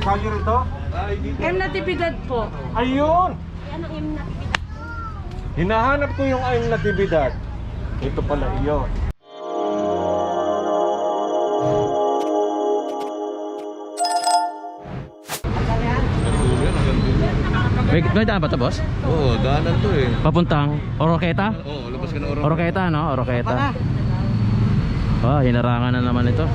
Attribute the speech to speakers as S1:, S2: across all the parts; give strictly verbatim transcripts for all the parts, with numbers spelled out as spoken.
S1: kalye rito?
S2: M Natividad po.
S1: Ayun!
S2: Yan ang M Natividad.
S1: Hinahanap ko yung ayong Natividad. Ito pala iyon.
S3: May, may daan ba ito, boss?
S4: Oo, daanan to eh.
S3: Papuntang Oroqueta?
S4: Oo, labas ka na Oroqueta.
S3: Oroqueta, no? Oroqueta. Oh, hinarangan na naman ito.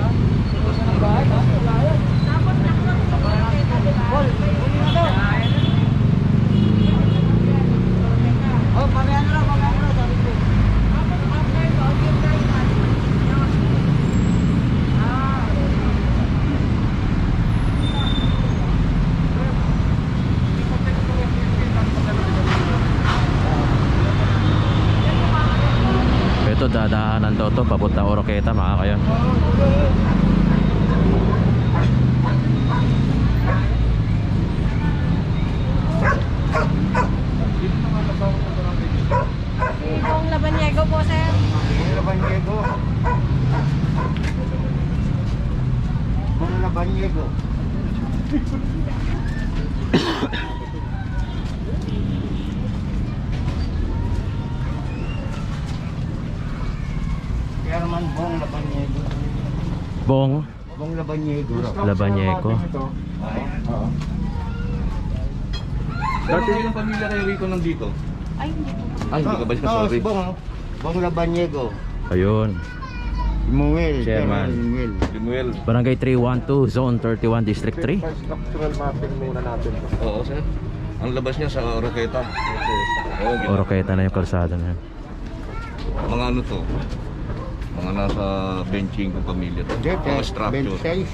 S2: Oh, parehan na lang, parehan na lang. Sabi ko.
S3: Ito, dadaanan daw to papuntang Oroqueta, mga kayon.
S2: Ibong Labanyego po, sir.
S5: Kung Labanyego. Kung Labanyego. Herman Bong Labanyego.
S3: Bong
S5: Bong Labanyego.
S3: Labanyego.
S1: Oo.
S4: Dati yung pamilya kayo Rico nandito?
S2: Ay, hindi po.
S4: Ay, hindi ka ba siya?
S5: Oo,
S4: Sorry.
S5: si Bong. Bong Labanyego.
S3: Ayun.
S5: Imuel.
S3: Chairman.
S5: Imuel.
S4: Limuel.
S3: Barangay three one two, Zone thirty-one, District three.
S1: Structural mapping muna natin.
S4: Oo, sir. Ang labas niya sa Oroqueta. Oo, gina-
S3: Oroqueta na yung kalsada na yun.
S4: Mga ano to? Mga nasa benching ng pamilya to. Mga structure.
S5: twenty-six.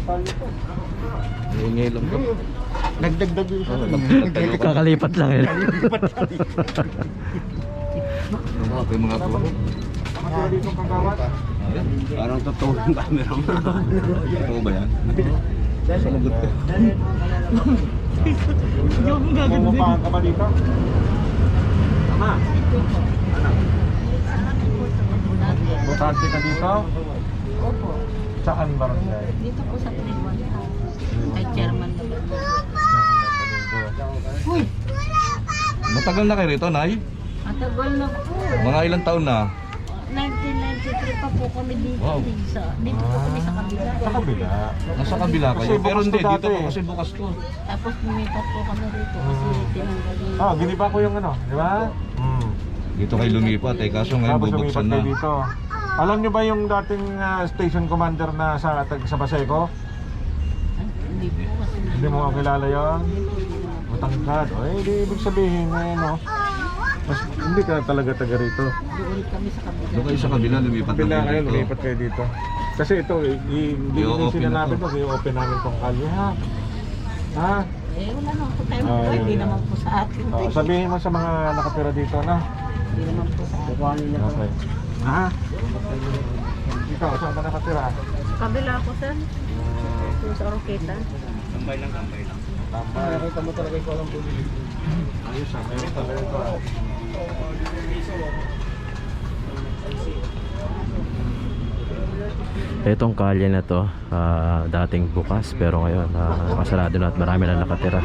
S4: Ingay lang to.
S5: Nagdagdag yun sa
S4: Oo, nagtayo ka.
S3: Kakalipat lang yun.
S4: Ano ba? Yung mga po.
S1: Mga dito kagawad.
S4: Ayan. Parang totoo yung camera mo. Totoo ba yan? Sanagot ka.
S1: Pumapahan ka ba dito? Tama. Butante ka dito?
S2: Opo.
S1: Saan barangay?
S2: Dito po sa Trinidad. Kay Chairman Labanyego. Uy!
S4: Matagal na kayo rito, Nay?
S2: Matagal na po.
S4: Mga ilang taon na?
S2: nineteen ninety-three pa po kami dito.
S4: Wow.
S2: Sa, dito po kami sa kabila.
S1: Sa kabila.
S4: Nasa kabila kayo.
S1: Kasi
S4: Pero
S1: bukas
S4: hindi,
S1: to
S4: dito
S1: dati.
S4: po kasi bukas to.
S2: Tapos lumipat po kami rito kasi tinanggal yung...
S1: Ah, giniba ko yung ano, di ba? Hmm.
S4: Dito kayo lumipat eh, kaso ngayon
S1: Tapos
S4: bubuksan
S1: lumipat
S4: na.
S1: kayo dito. Alam nyo ba yung dating ah, station commander na sa tag sa Baseco?
S2: Hindi po kasi...
S1: Hindi mo kakilala yun? Matangkad. O eh, di ibig sabihin na ano. Mas, hindi ka talaga taga rito.
S2: Doon kami sa kabila.
S4: Doon kayo sa kabila, lumipat
S1: Kabila
S4: na
S1: kayo,
S4: kayo dito.
S1: lumipat kayo dito. Kasi ito, i- i- hindi
S4: I-open
S1: sila
S4: na
S1: namin
S4: to.
S1: to, i-open namin tong kalye ha. Ha?
S2: Eh, wala naman po tayo.
S1: Ah,
S2: Hindi
S1: yun,
S2: naman
S1: yun.
S2: po sa atin.
S1: Oh, sabihin mo sa mga nakatira dito na.
S2: Hindi naman po sa atin.
S1: Okay. Ha? Ikaw, saan ka nakatira?
S2: Sa kabila ako, sir. Yung sa Oroqueta.
S4: Tambay lang, tambay lang.
S1: Tambay. Nakita mo talaga ikaw lang bumili. Ayos ah, meron talaga ito ah.
S3: Itong kalye na to, ah, dating bukas pero ngayon ah, nakasarado na at marami na nakatira.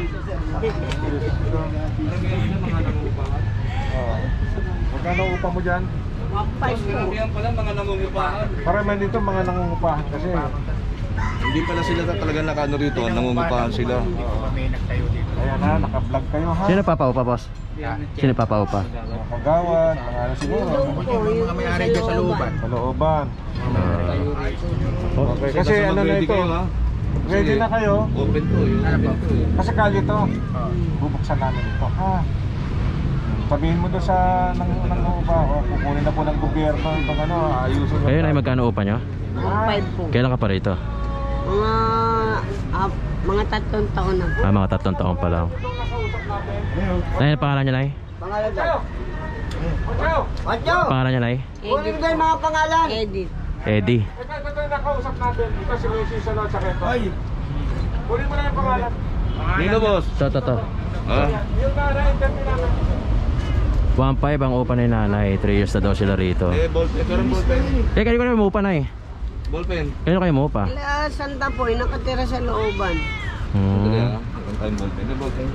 S1: Oh. Magkano upa mo dyan?
S2: Five po.
S4: Yan pala mga nangungupahan.
S1: Marami dito mga nangungupahan kasi.
S4: Hindi pala sila talaga nakano rito, nangungupahan sila.
S1: Ayan ha, naka-vlog kayo ha.
S3: Sino papaupa, boss? Sino papaupa?
S1: Mga kagawad, mga ano siguro.
S2: Mga may-ari dyan sa looban.
S1: Sa looban.
S3: Ah,
S1: Okay, kasi ano na ito.
S4: Kayo, ha?
S1: Ready na kayo.
S4: Open to, yun. Open to.
S1: Kasi kalye to. Bubuksan namin ito ha. Sabihin mo doon sa nang nangungupa, o kukunin na po ng gobyerno itong ano, ayusin
S3: kayo na magkano upa nyo?
S2: Five po.
S3: Kailan ka pa rito?
S2: Mga... ah, mga tatlong taon na po.
S3: Ah, mga tatlong taon pa lang. Nay, ano pangalan niya, Nay?
S5: Pangalan daw. Watcho!
S3: Pangalan niya, Nay?
S5: Kunin ko yung mga pangalan.
S2: Edit.
S3: Eddie.
S1: Ito, ito yung nakausap natin. Ito si Lucy sa Lord Sakento. Kunin mo na yung pangalan.
S4: Nino, boss?
S3: To, to, to.
S4: Ha?
S1: Yung na-interview namin.
S3: one five ang upa ni nanay. three years na daw sila rito.
S4: Eh, ballpen. Ito rin ballpen.
S3: Eh, kanino kayo umupa, Nay?
S4: Ballpen.
S3: Kanino kayo umupa?
S5: Sila Santa po, nakatira sa looban.
S4: Dali
S3: Hmm.
S4: ah. Meron tayong ballpen. May ballpen.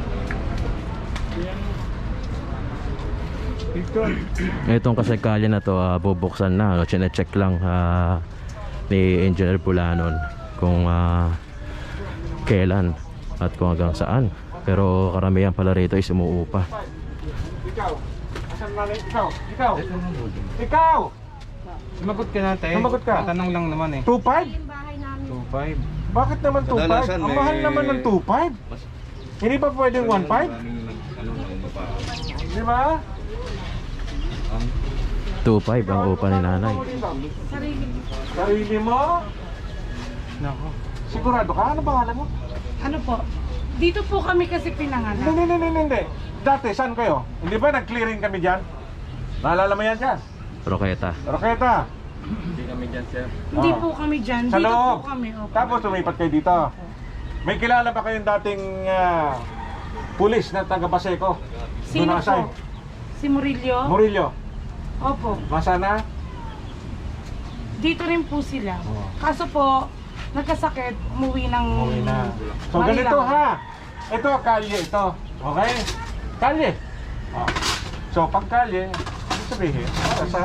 S3: Itong kasi kalye na to, ah, bubuksan na. No? Chine-check lang ah, ni Engineer Pulanon kung ah, kailan at kung hanggang saan. Pero karamihan pala rito is umuupa.
S1: Ikaw. Asan na ikaw? Ikaw. Ikaw.
S6: Sumagot ka natin.
S1: Sumagot ka.
S6: Tanong lang naman eh.
S1: two five?
S6: two five.
S1: Bakit naman two five?
S4: Kadalasan
S1: Ang
S4: may-
S1: mahal naman ng two five. Hindi ba pwedeng one five?
S4: Maraming nag- ano, nangungupa.
S1: Di ba?
S4: Ang
S3: two five ang upa ni nanay.
S1: Sarili. Sarili mo?
S6: Nako.
S1: Sigurado ka? Ano pangalan mo?
S7: Ano po? Dito po kami kasi pinanganak.
S1: Hindi, hindi, hindi, hindi. Dati, saan kayo? Hindi ba nag-clearing kami dyan? Naalala mo yan dyan?
S3: Roqueta.
S1: Roqueta.
S7: Hindi
S1: Ah.
S7: po kami dyan.
S1: Sa
S7: Dito
S1: loob.
S7: po kami. Opo.
S1: Tapos lumipat kayo dito. May kilala ba kayong dating ah, pulis na taga Baseco?
S7: Sino
S1: Doon na-assign?
S7: po? Si Murillo?
S1: Murillo.
S7: Opo.
S1: Masana?
S7: Dito rin po sila.
S1: Oo.
S7: Kaso po, nagkasakit, umuwi ng...
S1: Okay na. So
S7: Manila.
S1: ganito ha. Ito, kalye ito. Okay? Kalye. Oh. So pag kalye, ano sabihin? Para sa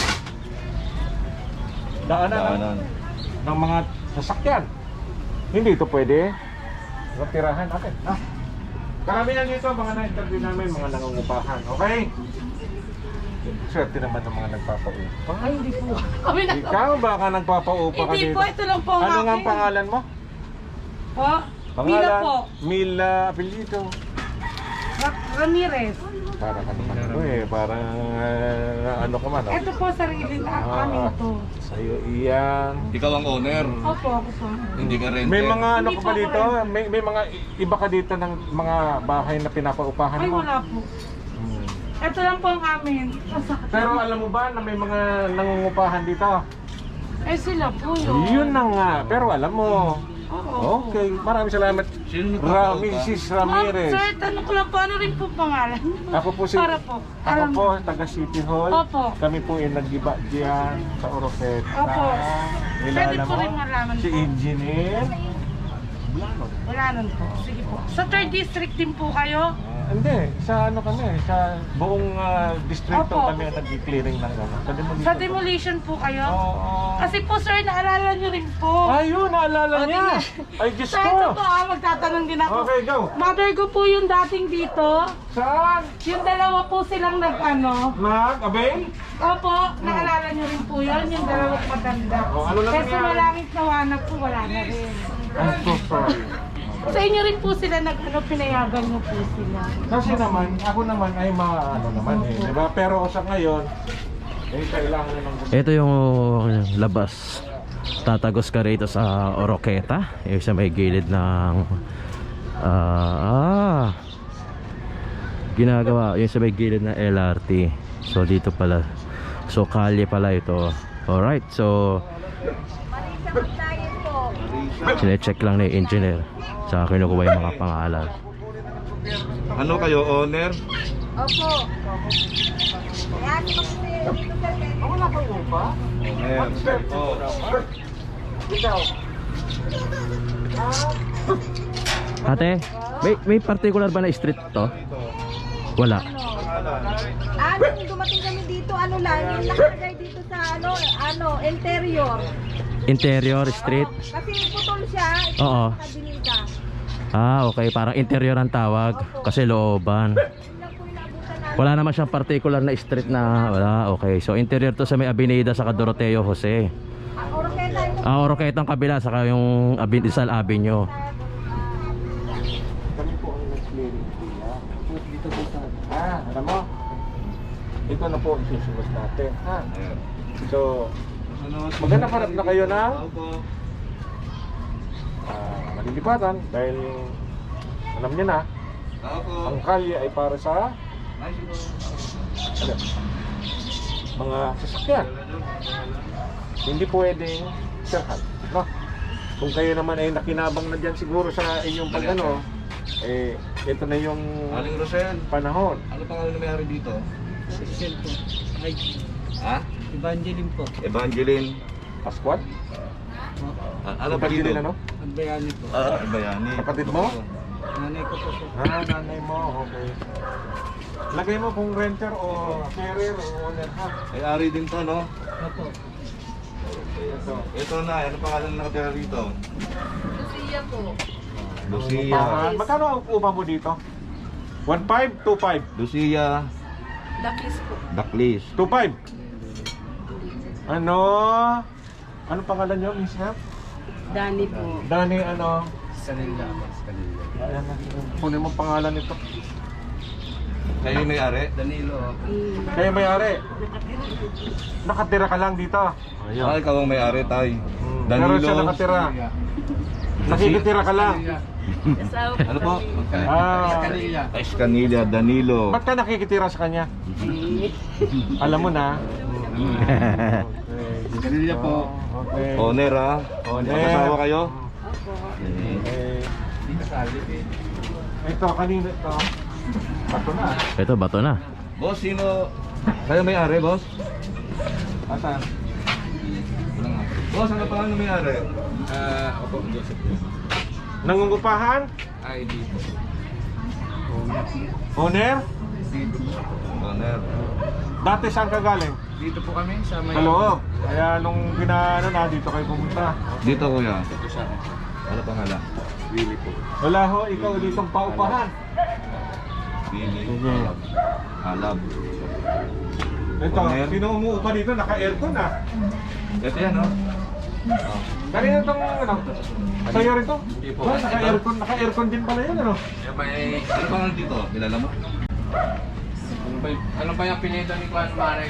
S1: daanan, ng-
S4: daanan.
S1: ng mga sasakyan. Hindi ito pwede. Tirahan natin. Ha? Karamihan dito, mga na-interview namin, mga nangungupahan. Okay? Swerte naman ng mga nagpapaupa.
S7: Ay, hindi po. Kami na...
S1: Ikaw baka nagpapaupa ka
S7: Hindi
S1: dito?
S7: po, ito lang po ang
S1: Ano nga ang
S7: akin.
S1: pangalan mo?
S7: Po? Mila po.
S1: Mila apelyido.
S7: Ra- Ramirez.
S1: Para ka naman ano eh, parang ah, ano ka man. Oh.
S7: Ito po, sarili na
S1: Ah,
S7: amin to.
S1: Sa'yo iyan.
S4: Ikaw ang owner.
S7: Opo, ako po.
S4: Hindi ka renter.
S1: May mga ano
S7: Hindi
S1: ka
S7: po
S1: ba
S7: ako
S1: dito? May, may mga i- iba ka dito ng mga bahay na pinapaupahan
S7: Ay,
S1: mo?
S7: wala po.
S1: Hmm.
S7: Ito lang po ang amin. Masakit.
S1: Pero alam mo ba na may mga nangungupahan dito?
S7: Eh, sila po yun.
S1: Yun na nga. Pero alam mo.
S7: Oo.
S1: Okay. Maraming salamat.
S4: Sino
S1: Ra
S4: nagpapaupa?
S1: Missus
S7: Ma'am,
S1: Ramirez.
S7: sir, tanong ko lang po, ano rin po pangalan?
S1: Ako po si
S7: Para po.
S1: Ako
S7: Alam
S1: po, taga City Hall.
S7: Opo.
S1: Kami po ay nag-iba diyan sa Oroqueta.
S7: Opo.
S1: Kilala
S7: Pwede po
S1: mo?
S7: rin malaman
S1: Si
S7: po.
S1: Engineer.
S7: Wala nun po. Sige po. Sa third district din po kayo?
S1: Hindi, sa ano kami, sa buong ah, distrito
S7: Opo.
S1: kami nag-clearing ng ano. Sa demolition.
S7: Sa demolition po kayo?
S1: Oo.
S7: Kasi po sir, naalala nyo rin po.
S1: Ayun, naalala
S7: O,
S1: niya.
S7: tingnan.
S1: Ay, Diyos
S7: Sir, ito
S1: ko.
S7: po ah, magtatanong din ako.
S1: Okay, go.
S7: Mother ko po yung dating dito.
S1: Saan?
S7: Yung dalawa po silang nag-ano.
S1: Mag, Abel?
S7: Opo, naalala nyo rin po yun, yung dalawang maganda.
S1: O, ano lang
S7: Kasi
S1: nangyari?
S7: malangit na wanag po, wala na rin.
S1: I'm so sorry.
S7: Sa inyo rin po sila nag-ano, pinayagan nyo po sila.
S1: Kasi naman, ako naman ay mga ano naman eh, di ba? Pero sa ngayon, eh, kailangan na ng
S3: Ito yung labas. Tatagos ka rito sa Oroqueta. Yung sa may gilid ng ah, ah ginagawa yung sa may gilid ng L R T. So dito pala. So kalye pala ito. Alright, so sine-check lang ni engineer. Sa kinukuha yung mga pangalan.
S4: Ano kayo, owner?
S5: Opo. Kaya ako kasi dito sa
S1: Ako na kayo ba?
S4: Owner. Oh.
S1: Ikaw.
S3: Ate, may may particular ba na street to? Wala.
S5: Ano, nung dumating kami dito, ano lang, yung nakalagay dito sa ano, ano, interior.
S3: Interior street.
S5: Kasi putol siya, ito
S3: Oo.
S5: sa binida.
S3: Ah, okay. Parang interior ang tawag. Kasi looban.
S5: Yun lang po yung naabutan namin.
S3: Wala naman siyang particular na street na wala. Okay. So interior to sa may Avenida sa Doroteo Jose.
S5: Ang Oroqueta yung
S3: Ah, Oroqueta ang kabila saka yung Abin Rizal Avenue.
S1: Kami po ang nag-clearing kuya. Dito po sa... Ah, alam mo? Ito na po ang susunod natin. Ha?
S4: Ayan.
S1: So, maganda parap na kayo na
S4: Opo.
S1: ah, malilipatan dahil alam niyo na,
S4: Opo.
S1: ang kalye ay para sa
S4: Ay, siguro.
S1: ano, mga sasakyan. Hindi pwedeng sirhan, no? Kung kayo naman ay nakinabang na dyan siguro sa inyong pag-ano, eh, ito na yung
S4: Aling Rosel,
S1: panahon.
S4: ano pangalan na may-ari dito?
S6: Cecil po. Ay,
S4: Ha?
S6: Evangeline po.
S4: Evangeline.
S1: Pascual?
S4: Ah, ano pa
S1: Kapatid
S4: dito?
S1: din, ano?
S6: Ang bayani po.
S4: Ah, bayani.
S1: Kapatid mo?
S6: Nanay ko po po.
S1: Ah, nanay mo, okay. Lagay mo kung renter o carrier o owner ha.
S4: Ay, ari din to, no?
S6: Opo.
S1: Ito.
S4: Ito na, ano pangalan na nakatira rito?
S5: Lucia po.
S4: Lucia.
S1: Upahan. Magkano ang upa mo dito? one five, two five.
S4: Lucia
S5: Dakis po.
S4: Daklis.
S1: two five. Ano? Ano pangalan nyo, Miss Hep?
S2: Dani po.
S1: Dani, ano?
S6: Kanila po. Kanila.
S1: Ayan, kunin mo pangalan nito.
S4: Kayo yung may-ari?
S6: Danilo.
S2: Mm.
S1: Kaya may-ari. Nakatira ka lang dito.
S4: Ah, ikaw ang may-ari, tay.
S1: Hmm.
S4: Danilo.
S1: Pero siya nakatira. Nakikitira ka lang.
S4: Ano po?
S1: Ah,
S6: Kanila.
S4: Escanilla, Danilo.
S1: ba't ka nakikitira sa kanya? Alam mo na.
S6: Kanila po.
S1: Okay.
S4: Owner, ha?
S1: Owner.
S4: Mag-asawa kayo?
S1: Okay.
S6: Hindi kasali eh.
S1: Ito, kanina ito. Bato na.
S3: Ito, bato na.
S4: Boss, sino? Kayo may-ari, boss?
S1: Asan?
S4: Wala nga. Boss, ano pa ang may-ari?
S6: Ah, opo, Joseph po.
S1: Nangungupahan?
S6: I D po.
S1: Owner?
S4: Owner.
S1: Dati saan ka galing?
S6: Dito po kami sa may...
S1: Sa loob. Kaya nung pinaano na, dito kayo pumunta.
S4: Dito, kuya.
S6: Dito siya.
S4: Ano pangalan?
S6: Willie po.
S1: Wala ho, ikaw ditong paupahan.
S4: Billy.
S1: Sige.
S4: Alab.
S1: Ito,
S4: Owner.
S1: sino umuupa dito? Naka-aircon ah.
S4: Ito yan, no?
S1: Kanina itong ano? Sa'yo rin to?
S6: Hindi po.
S1: Oh, naka-aircon, naka-aircon din pala yun ano?
S6: Yung may...
S4: Ano pangalan dito? Kilala mo?
S6: Ano ba, y- ano ba yung apelido ni Juan Mare?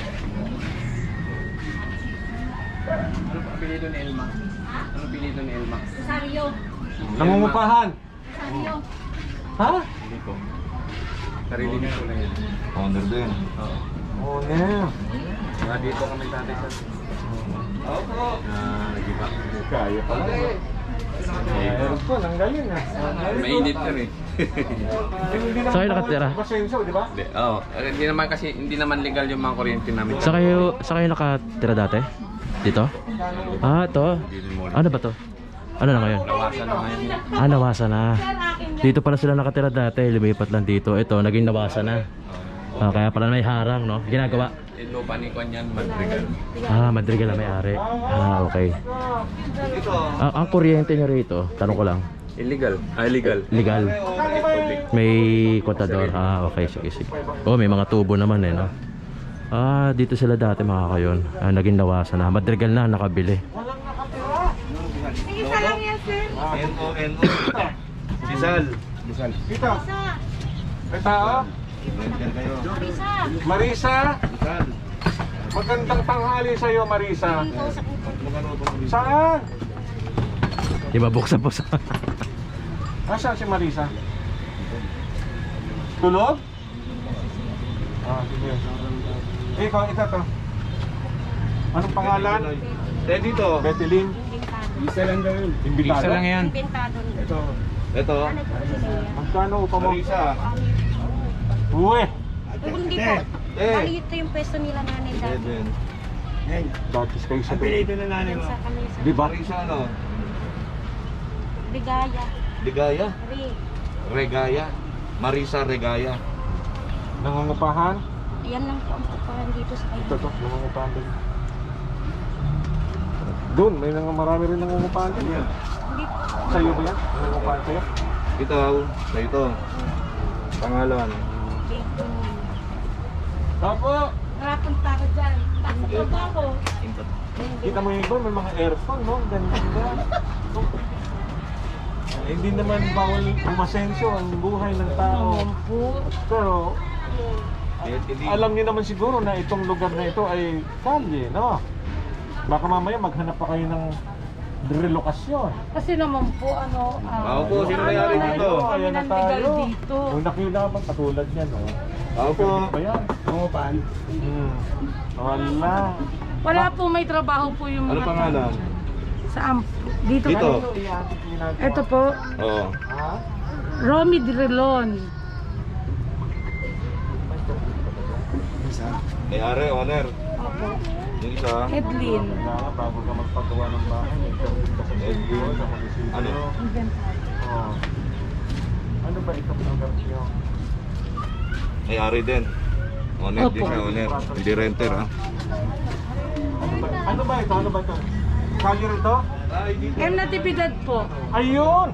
S6: Ano ba apelido ni Elma? Ano apelido ni Elma?
S5: Rosario.
S1: Nangungupahan.
S5: Rosario.
S1: Ha?
S6: Hindi po. Sarili niya po na yun.
S4: Owner din.
S6: Oo.
S1: Owner.
S6: Mga dito kami dati sa...
S4: Opo.
S6: Ah, nagiba.
S1: Kaya pala. Aircon, ang galing ah.
S6: Mainit na rin.
S1: Hindi naman
S3: Saan kayo nakatira?
S1: Basenso, di ba?
S6: Hindi, oo. Eh, Hindi naman kasi, hindi naman legal yung mga kuryente namin.
S3: Sa kayo, sa kayo nakatira dati? Dito? Ah, ito. Ano ba to? Ano na ngayon?
S6: Nawasan na ngayon.
S3: Ah, nawasa na. Dito pala sila nakatira dati, lumipat lang dito. Ito, naging nawasa na. Ah, kaya pala may harang, no? Ginagawa.
S6: Yung lupa ni Kwan yan, Madrigal.
S3: Ah, Madrigal na may-ari. Ah, okay.
S4: Dito.
S3: Ah, ang kuryente niyo rito, tanong ko lang,
S6: Illegal. Ah, illegal.
S3: legal?
S1: Kano ba yung...
S3: May kontador? Ah, okay, sige, sige. Oh, may mga tubo naman eh, no? Ah, dito sila dati mga kayon. Ah, naging nawasa na. Madrigal na, nakabili.
S1: Walang nakatira.
S5: Isa lang yan, sir.
S4: N O N O. Si Sal.
S1: Ito.
S5: Isa.
S1: May tao.
S4: Renter kayo.
S5: Isa.
S1: Marisa.
S4: Sal.
S1: Magandang tanghali sa'yo, Marisa.
S4: Magkano po?
S1: Saan?
S3: Di ba buksan po sa...
S1: Nasaan si Marisa? Tulog? Ah, sige. Eh, ikaw, ito to. Anong pangalan?
S4: Eh, dito.
S1: Betelin.
S6: Isa lang daw yun.
S1: Imbitado?
S6: Isa lang yan.
S5: Inventado niya.
S1: Ito.
S4: Ito.
S1: Magkano upa mo?
S4: Marisa.
S1: Uwe!
S5: Hindi po.
S4: Eh.
S5: Bali ito yung pwesto nila nanay dati.
S4: Seven.
S1: Datis kayo sa doon.
S6: na nanay
S5: Sa kami sa
S1: Di ba?
S4: Marisa ano?
S5: Ligaya.
S4: Ligaya.
S5: Ri.
S4: Regaya. Marisa Regaya.
S1: Nangungupahan?
S5: Yan lang po ang pupahan dito sa
S1: Ito
S5: kayo.
S1: to, nangungupahan din. Doon, may nang marami rin nangungupahan din.
S5: Hindi po.
S1: Sa'yo ba yan? Nangungupahan sa'yo?
S4: Ito. Sa ito. Pangalan.
S5: Dito.
S1: Tapo!
S5: Narapunta ako dyan. Takot pa ako.
S1: Kita mo yung iba, may mga aircon, no? Ganda. Eh, hindi naman bawal umasensyo ang buhay ng tao. Pero,
S4: Eh, hindi.
S1: alam niyo naman siguro na itong lugar na ito ay kalye, no? Baka mamaya maghanap pa kayo ng relokasyon.
S7: Kasi naman po, ano,
S4: Ako
S7: ah,
S4: po, sino may-ari dito?
S7: kami
S1: Ayan na
S7: ng legal
S1: tayo.
S7: dito.
S1: Kung nakilaman, katulad niyan, no?
S4: Ako po.
S1: Ba yan?
S6: Pangupahan.
S1: Hmm. Wala.
S7: Wala po, may trabaho po yung
S4: Ano
S7: mga
S4: pangalan?
S7: Saan? Dito.
S4: Dito.
S7: po. Ito po,
S4: Oo.
S1: Ha?
S7: Romy Drilon.
S4: May-ari, owner.
S7: Opo.
S4: Yung isa,
S7: Edlin.
S1: Kailangan bago ka magpagawa ng bahay, may permit ka sa Edwin, sa munisipyo.
S4: Ano?
S1: Oh. Ano ba ito ang lugar niyo?
S4: may-ari din. Owner din
S7: Opo.
S4: siya, owner. Hindi renter, ha?
S1: Ano ba, ano ba ito? Ano ba ito? Kalye rito?
S7: M Natividad po.
S1: Ayun!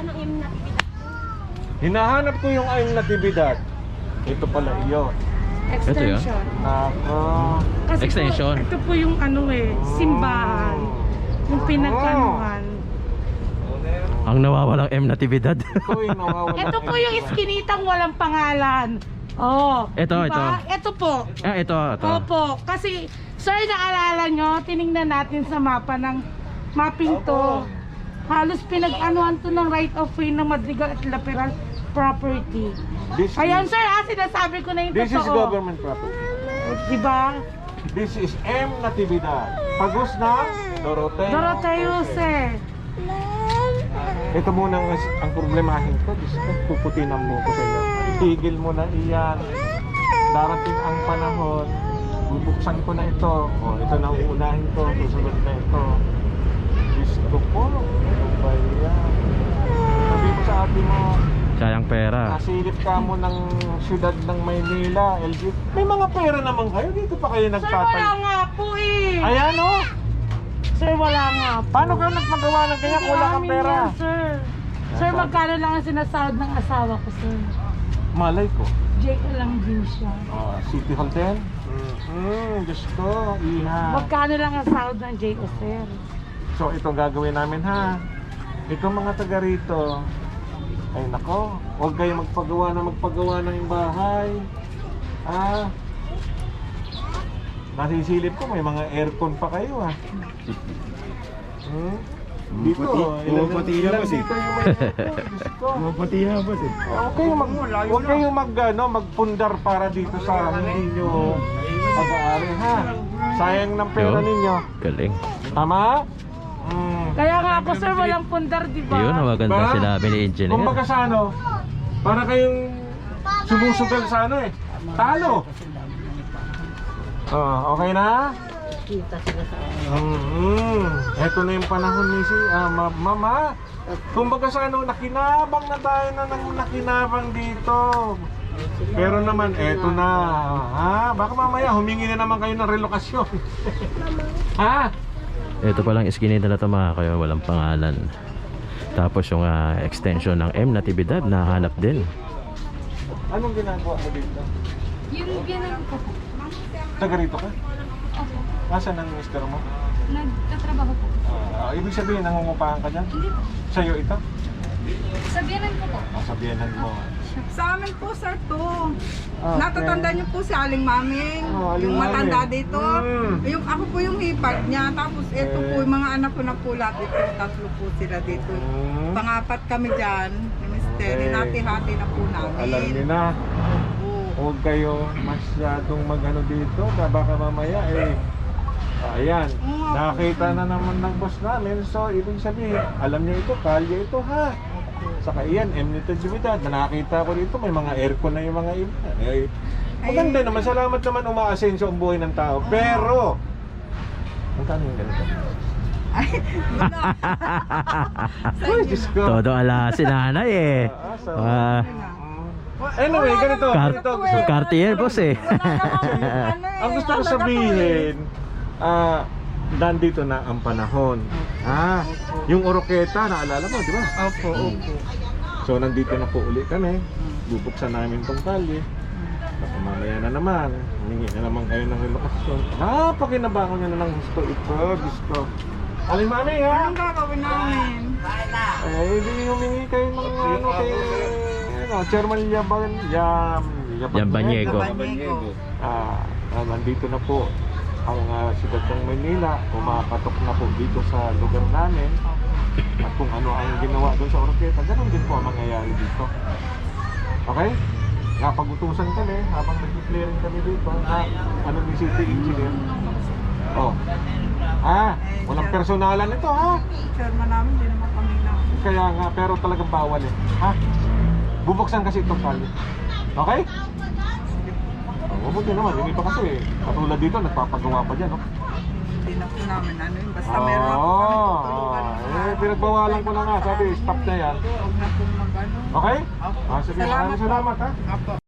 S1: Hinahanap ko yung ayong natibidad. Ito pala iyon.
S7: Extension.
S1: Nako.
S7: Kasi
S3: Extension.
S7: Po, ito po yung ano eh, simbahan. Yung pinagkanuhan.
S3: Ang nawawalang M Natividad.
S1: Ito yung nawawala.
S7: Ito po yung iskinitang walang pangalan. Oh.
S3: Ito, ito.
S7: Ito po.
S3: Ah, ito, ito.
S7: Opo. Kasi, sir, naalala nyo, tinignan natin sa mapa ng mapping to. Halos pinag-anuhan to ng right of way ng Madrigal at Laperal property.
S1: This
S7: Ayan,
S1: is,
S7: sir, ah, sinasabi ko na yung
S1: this is
S7: totoo.
S1: government property.
S7: Diba?
S1: This is M Natividad. Pagos na Doroteo.
S7: Doroteo, sir.
S1: Ito muna ang, ang problemahin ko. Diyos ko, puputinan mo ko sa iyo. Itigil mo na iyan. Darating ang panahon. Bubuksan ko na ito. O, ito na uunahin ko. Susunod na ito. Diyos ko po. Ano ba yan? Sabi mo sa ate mo,
S3: Sayang pera.
S1: nasilip ka mo ng siyudad ng Maynila, L G. May mga pera naman kayo. Dito pa kayo
S7: Sir,
S1: nagtatay.
S7: wala nga po eh.
S1: Ayan o.
S7: Sir, wala nga po.
S1: Paano ka nagmagawa ng kanya kung wala kang
S7: Amin
S1: pera?
S7: yan, sir. Sir, magkano lang ang sinasahod ng asawa ko, sir?
S1: Malay ko.
S7: J L lang din siya.
S1: Ah, City Hall din? Mm-hmm. Diyos ko, iha.
S7: Magkano lang ang sahod ng J O, sir?
S1: So, itong gagawin namin ha. Itong mga taga rito, ay nako, huwag kayo magpagawa na magpagawa ng bahay. Ah, nasisilip ko, may mga aircon pa kayo ha. Hmm? Dito, ilan, ilan dito yung may aircon, Diyos ko.
S6: Pumapati na boss eh.
S1: Huwag kayong mag, huwag kayong mag, ano, magpundar para dito sa hindi nyo pag-aari ha. Sayang ng pera
S3: Yo.
S1: ninyo.
S3: Galing.
S1: Tama? Mm.
S7: Kaya nga ako, sir, walang pundar, di ba?
S3: Yun, ang maganda
S1: Ba?
S3: sinabi ni engineer.
S1: Kumbaga sa ano, para kayong sumusugal sa ano eh. Talo. Oh, okay na?
S2: Kita sila sa
S1: Mm-hmm. Ito na yung panahon ni si ah, ma- Mama. Kumbaga sa ano, nakinabang na tayo na nang nakinabang dito. Pero naman, eto na. Ha? Baka mamaya humingi na naman kayo ng relokasyon. Ha?
S3: Ito palang iskinita na ito mga kayo, walang pangalan. Tapos yung ah, extension ng M Natividad, nahanap din.
S1: Anong ginagawa mo dito?
S5: Yung ginang ko po.
S1: Taga rito ka?
S5: Opo.
S1: Nasaan ang mister mo?
S5: Nagtatrabaho po.
S1: Ah, ibig sabihin, nangungupahan ka dyan?
S5: Hindi po.
S1: Sa'yo ito?
S5: Sabihanan ko po.
S1: Ah, sabihanan mo.
S8: Sa amin po, sir, to.
S1: Okay.
S8: Natatanda niyo po si Aling Maming,
S1: Oh, Aling
S8: yung matanda
S1: Maming.
S8: dito.
S1: Mm.
S8: Yung, ako po yung hipag niya. Tapos ito
S1: Eh.
S8: po, yung mga anak ko na po lahat dito. Tatlo po sila dito.
S1: Hmm.
S8: Pangapat kami dyan. Ni Mister,
S1: Okay.
S8: hinati-hati na po namin.
S1: Alam niyo na.
S8: Oo.
S1: Huwag kayo masyadong magano dito. Baka mamaya eh. Ayan.
S8: Oo.
S1: Nakita na naman ng boss namin. So, ibig sabihin, alam niyo ito, kalye ito ha. Saka iyan, M Natividad. Nakita ko dito, may mga aircon na yung mga iba. Eh, maganda naman. Salamat naman umaasenso ang buhay ng tao. Pero, magkano yung ganito? Ay, Diyos ko.
S3: Todo ala si nanay eh.
S1: Ah, so,
S3: Ah,
S1: anyway, ganito.
S3: Kar
S1: ganito.
S3: Cartier boss eh.
S8: Ano eh,
S1: Ang gusto ko
S8: ano na to eh.
S1: sabihin, ah, nandito na ang panahon. Ah, yung Oroqueta, naalala mo, di ba?
S8: Opo, opo.
S1: So, nandito na po uli kami. Bubuksan namin tong kalye. Baka mamaya na naman, humingi na naman kayo ng relokasyon. Ah, pakinabangon nyo na ng gusto ito, gusto. Aling mami, ha?
S8: Anong gagawin namin?
S1: Eh, hindi humingi kayo ng ano kay, ano, Chairman Yaban, Yam,
S3: Yambanyego.
S8: Banyego.
S1: Ah, ah, nandito na po ang uh, siyudad ng Manila, pumapatok na po dito sa lugar namin. At kung ano ang ginawa doon sa Oroqueta, ganun din po ang mangyayari dito. Okay? Napag-utusan kami habang nag-clearing kami dito na ano ni City Engineer. Oh. Ah, walang personalan ito ha.
S8: Chairman namin, hindi naman kami na.
S1: Kaya nga, pero talagang bawal eh. Ha? Bubuksan kasi itong kalye. Okay? Oh, mabuti naman, hindi pa kasi katulad dito, nagpapagawa pa dyan, no?
S8: hindi na po namin ano yun. Basta meron na po
S1: Oo,
S8: kami
S1: oh,
S8: tutulungan.
S1: eh, pinagbawalan ko na nga. Sabi, stop na yan.
S8: Huwag na po mag ano.
S1: Okay?
S8: Opo.
S1: Ah, sige,
S8: Salamat
S1: maraming
S8: po.
S1: salamat ha.
S8: Opo.